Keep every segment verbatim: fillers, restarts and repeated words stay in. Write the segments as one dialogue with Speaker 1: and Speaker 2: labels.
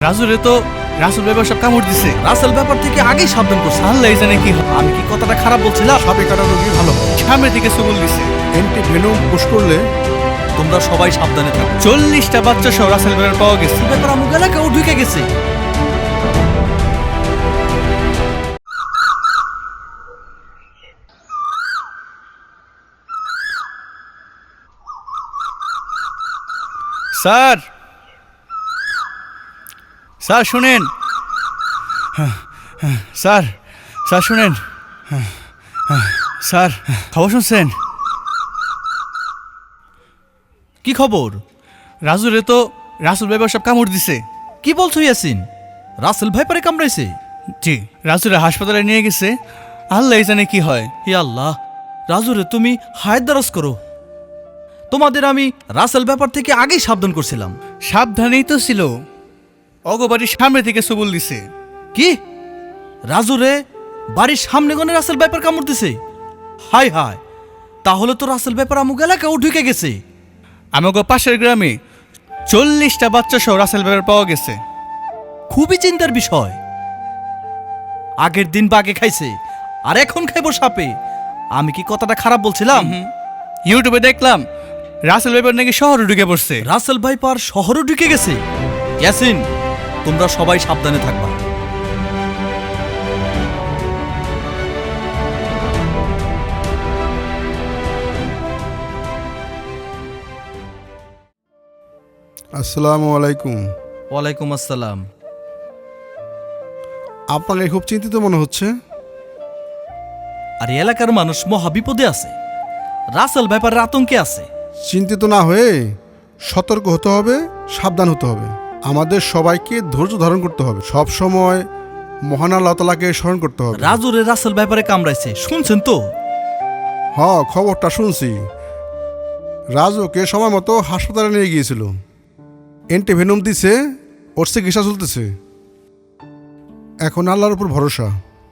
Speaker 1: রাজুরে তো রাসেল ব্যাপার সব কামড় দিছে।
Speaker 2: রাসেল ব্যাপার থেকে আগেই সাবধান করছে।
Speaker 1: আল্লাহ জানে কি হয়।
Speaker 2: আমি কি কথাটা খারাপ বলছিলাম?
Speaker 3: সাপে কাটা রোগী ভালো হয়।
Speaker 1: সামনে থেকে সবল দিছে।
Speaker 3: অ্যান্টি ভেনম পুশ করলে
Speaker 2: তোমরা সবাই সাবধানে থাকো।
Speaker 1: চল্লিশটা বাচ্চা সহ রাসেল ব্যাপার পাওয়া গেছে।
Speaker 2: ব্যাপার আমুক এলাকাও ঢুকে গেছে।
Speaker 1: স্যার স্যার শুনেন, স্যার স্যার শুনেন, স্যার খবর শুনছেন?
Speaker 2: কি খবর?
Speaker 1: রাজুরে তো রাসেল ব্যাপার সব কামড় দিছে।
Speaker 2: কি বলছো ইয়াসিন? রাসেল ভাই পারে কামড়াইছে?
Speaker 1: জি, রাজুরে হাসপাতালে নিয়ে গেছে। আল্লাহ জানে কি হয়।
Speaker 2: হে আল্লাহ, রাজুরে তুমি হায়াত দারাজ করো। তোমাদের আমি রাসেল ব্যাপার থেকে আগেই সাবধান করছিলাম।
Speaker 1: সাবধানেই তো ছিল। অগবাড়ির সামনে থেকে সবল দিছে।
Speaker 2: কি রাজুরে বাড়ির সামনে গনে রাসেল ব্যাপার কামড় দিছে? হাই হাই, তাহলে তো রাসেল ব্যাপার আমুক এলাকাও ঢুকে গেছে।
Speaker 1: আমাকে পাশের গ্রামে চল্লিশটা বাচ্চা সহ রাসেল ব্যাপার পাওয়া গেছে।
Speaker 2: খুবই চিন্তার বিষয়। আগের দিন বাগে খাইছে আর এখন খাইব সাপে। আমি কি কথাটা খারাপ বলছিলাম?
Speaker 1: ইউটিউবে দেখলাম রাসেল ব্যাপার নাকি শহরে ঢুকে পড়ছে।
Speaker 2: রাসেল ভাই পার শহরও ঢুকে গেছে। ইয়াসিন, তোমরা সবাই সাবধানে থাকবা।
Speaker 3: আসসালামু আলাইকুম।
Speaker 2: ওয়ালাইকুম আসসালাম।
Speaker 3: আপনাকে খুব চিন্তিত মনে হচ্ছে।
Speaker 2: আর এই এলাকার মানুষ মহা বিপদে আছে। রাসেল ব্যাপারের আতঙ্কে আছে।
Speaker 3: চিন্তিত না হয়ে সতর্ক হতে হবে, সাবধান হতে হবে। আমাদের সবাইকে ধৈর্য ধারণ করতে হবে। সব সময় মহান আল্লাহ তাআলাকে স্মরণ করতে হবে।
Speaker 2: রাজুরে রাসেল ব্যাপারে কামড়াইছে, শুনছেন তো?
Speaker 3: হ, খবরটা শুনছি। রাজুকে সময় মতো হাসপাতালে নিয়ে গিয়েছিল। অ্যান্টিভেনম দিছে, ওর চিকিৎসা চলতেছে। এখন আল্লাহর উপর ভরসা।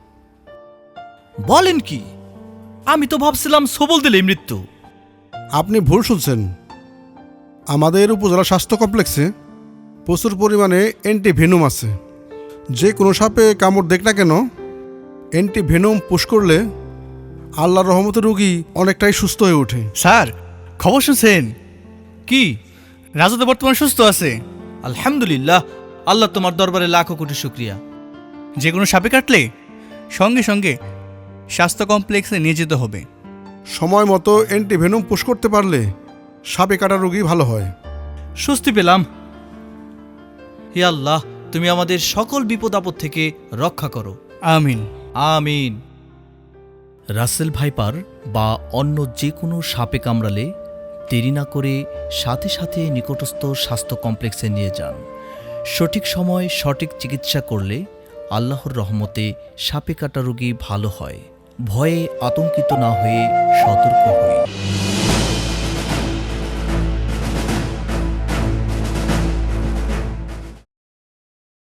Speaker 2: বলেন কি? আমি তো ভাবছিলাম সবল দিলেই মৃত্যু।
Speaker 3: আপনি ভুল শুনছেন। আমাদের উপজেলা স্বাস্থ্য কমপ্লেক্সে প্রচুর পরিমাণে অ্যান্টিভেনম আছে। যে কোনো সাপে কামড় দেখ না কেন, অ্যান্টিভেনম পুশ করলে আল্লাহর রহমতে রোগী অনেকটাই সুস্থ হয়ে ওঠে।
Speaker 1: স্যার খবর শুনছেন?
Speaker 2: কি?
Speaker 1: রাজু তো বর্তমান সুস্থ আছে।
Speaker 2: আলহামদুলিল্লাহ, আল্লাহ তোমার দরবারে লাখো কোটি শুকরিয়া।
Speaker 1: যে কোনো সাপে কাটলে সঙ্গে সঙ্গে স্বাস্থ্য কমপ্লেক্সে নিয়ে যেতে হবে।
Speaker 3: সময় মতো অ্যান্টিভেনম পুশ করতে পারলে সাপে কাটা রোগী ভালো হয়।
Speaker 2: স্বস্তি পেলাম। হে আল্লাহ, তুমি আমাদের সকল বিপদ আপদ থেকে রক্ষা করো।
Speaker 1: আমিন
Speaker 2: আমিন। রাসেল ভাইপার বা অন্য যে কোনো সাপে কামড়ালে দেরি না করে সাথে সাথে নিকটস্থ স্বাস্থ্য কমপ্লেক্সে নিয়ে যান। সঠিক সময় সঠিক চিকিৎসা করলে আল্লাহর রহমতে সাপে কাটা রোগী ভালো হয়। ভয়ে আতঙ্কিত না হয়ে সতর্ক হই।